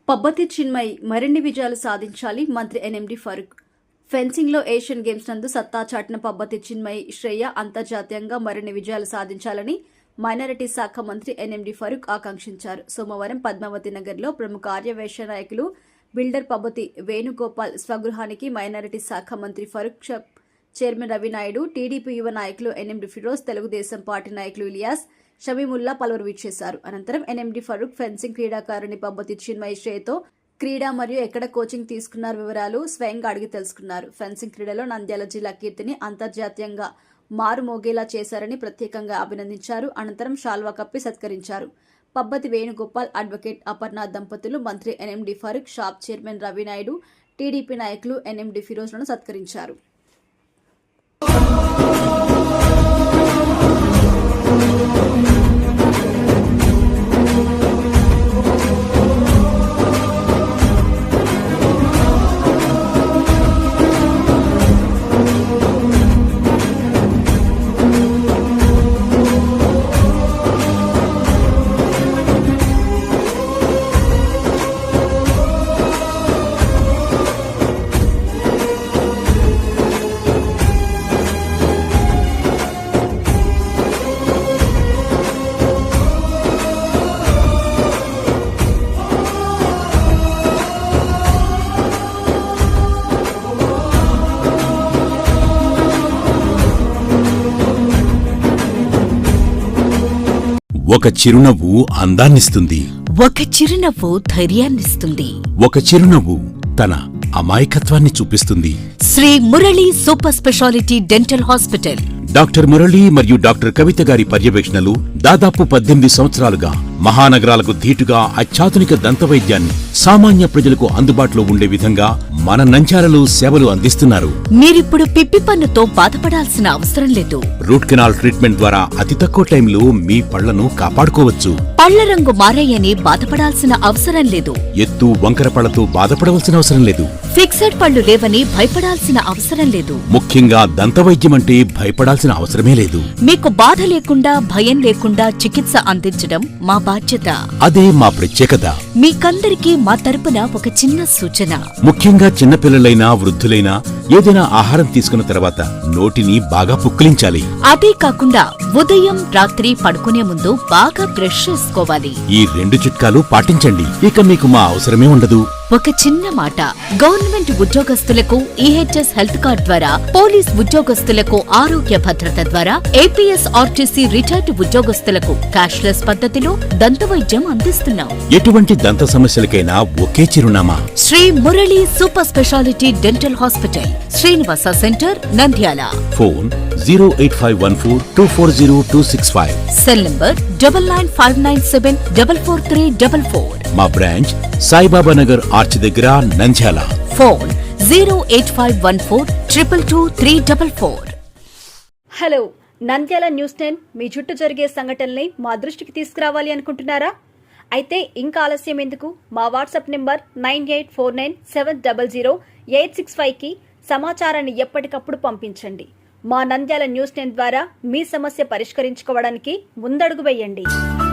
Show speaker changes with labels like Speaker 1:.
Speaker 1: పబ్బతి చిన్మయి మరిన్ని విజయాలు సాధించాలి మంత్రి ఎన్ఎండి ఫరూక్. ఫెన్సింగ్ లో ఏషియన్ గేమ్స్ నందు సత్తా చాటిన పబ్బతి చిన్మయి శ్రేయ అంతర్జాతీయంగా మరిన్ని విజయాలు సాధించాలని మైనారిటీ శాఖ మంత్రి ఎన్ఎండి ఫరూక్ ఆకాంక్షించారు. సోమవారం పద్మావతి నగర్ లో ప్రముఖ ఆర్యవైశ్య నాయకులు బిల్డర్ పబ్బతి వేణుగోపాల్ స్వగృహానికి మైనారిటీ శాఖ మంత్రి ఫరూక్, చైర్మన్ రవినాయుడు, టీడీపీ యువ నాయకులు ఎన్ఎండి ఫిరోజ్, తెలుగుదేశం పార్టీ నాయకులు ఇలియాస్, షమీముల్లా పలువురు విచ్చేశారు. అనంతరం ఎన్ఎండి ఫరూక్ ఫెన్సింగ్ క్రీడాకారుని పబ్బతి చిన్మయి శ్రేయతో క్రీడా మరియు ఎక్కడ కోచింగ్ తీసుకున్నారు వివరాలు స్వయంగా అడిగి తెలుసుకున్నారు. ఫెన్సింగ్ క్రీడలో నంద్యాల జిల్లా కీర్తిని అంతర్జాతీయంగా మారుమోగేలా చేశారని ప్రత్యేకంగా అభినందించారు. అనంతరం శాల్వా కప్పి సత్కరించారు. పబ్బతి వేణుగోపాల్, అడ్వకేట్ అపర్ణ దంపతులు మంత్రి NMD Farooq, SAAP chairman Ravi Naidu, TDP నాయకులు ఎన్ఎండి ఫిరోజ్లను సత్కరించారు.
Speaker 2: ఒక చిరునవ్వు అందాన్నిస్తుంది.
Speaker 3: ఒక చిరునవ్వు ధైర్యాన్నిస్తుంది.
Speaker 2: ఒక చిరునవ్వు తన అమాయకత్వాన్ని చూపిస్తుంది.
Speaker 3: Shri Murali super speciality dental hospital.
Speaker 2: Doctor Murali మరియు డాక్టర్ కవిత గారి పర్యవేక్షణలు దాదాపు 18 సంవత్సరాలుగా మహానగరాలకు ధీటుగా అత్యాధునిక దంతవైద్యాన్ని సామాన్య ప్రజలకు అందుబాటులో ఉండే విధంగా మన నంద్యాలలో సేవలు అందిస్తున్నారు.
Speaker 3: మీరిప్పుడు పిప్పి పన్నుతో బాధపడాల్సిన అవసరం లేదు.
Speaker 2: రూట్ కెనాల్ ట్రీట్మెంట్ ద్వారా అతి తక్కువ టైంలో మీ పళ్లను కాపాడుకోవచ్చు.
Speaker 3: పళ్ల రంగు మారాయని బాధపడాల్సిన అవసరం లేదు.
Speaker 2: ఎత్తు వంకర పళ్లతో బాధపడవలసిన అవసరం లేదు.
Speaker 3: ఫిక్సెడ్ పళ్లు లేవని భయపడాల్సిన అవసరం లేదు.
Speaker 2: ముఖ్యంగా దంతవైద్యం అంటే భయపడాల్సిన అవసరమే లేదు.
Speaker 3: మీకు బాధ లేకుండా భయం లేకుండా చికిత్స అందించడం మా బాధ్యత.
Speaker 2: అదే మా ప్రత్యేకత.
Speaker 3: మీకందరికీ మా తరపున ఒక చిన్న సూచన.
Speaker 2: ముఖ్యంగా చిన్నపిల్లలైనా వృద్ధులైనా ఏదైనా ఆహారం తీసుకున్న తర్వాత నోటిని బాగా పుక్కిలించాలి.
Speaker 3: అదే కాకుండా ఉదయం రాత్రి పడుకునే ముందు బాగా బ్రష్ చేసుకోవాలి.
Speaker 2: ఈ 2 చిట్కాలు పాటించండి, ఇక మీకు మా అవసరమే ఉండదు.
Speaker 3: ఒక చిన్న మాట, గవర్నమెంట్ ఉద్యోగస్తులకు ఈహెచ్ఎస్ హెల్త్ కార్డ్ ద్వారా, పోలీస్ ఉద్యోగస్తులకు ఆరోగ్య భద్రత ద్వారా, ఏపీఎస్ ఆర్టీసీ రిటైర్డ్ ఉద్యోగస్తులకు క్యాష్లెస్ పద్ధతిలో దంతవైద్యం అందిస్తున్నాం.
Speaker 2: ఎటువంటి దంత సమస్యలకైనా ఒకే చిరునామా,
Speaker 3: Shri Murali super speciality dental hospital, Srinivasa center, Nandyal.
Speaker 2: Phone 08514240265.
Speaker 3: Cell number 9959744344.
Speaker 2: మా బ్రాంచ్ సాయిబాబా నగర్ ఆర్చ్ దగ్గర, Nandyal.
Speaker 3: Phone 08514222344.
Speaker 1: Hello, Nandyal news 10 మీ చుట్టూ జరిగే సంఘటనల్ని మా దృష్టికి తీసుకురావాలి అనుకుంటున్నారా? అయితే ఇంకా ఆలస్యం ఎందుకు? మా వాట్సాప్ నెంబర్ 9849700865కి సమాచారాన్ని ఎప్పటికప్పుడు పంపించండి. మా నంద్యాల న్యూస్ 10 ద్వారా మీ సమస్య పరిష్కరించుకోవడానికి ముందడుగు వేయండి.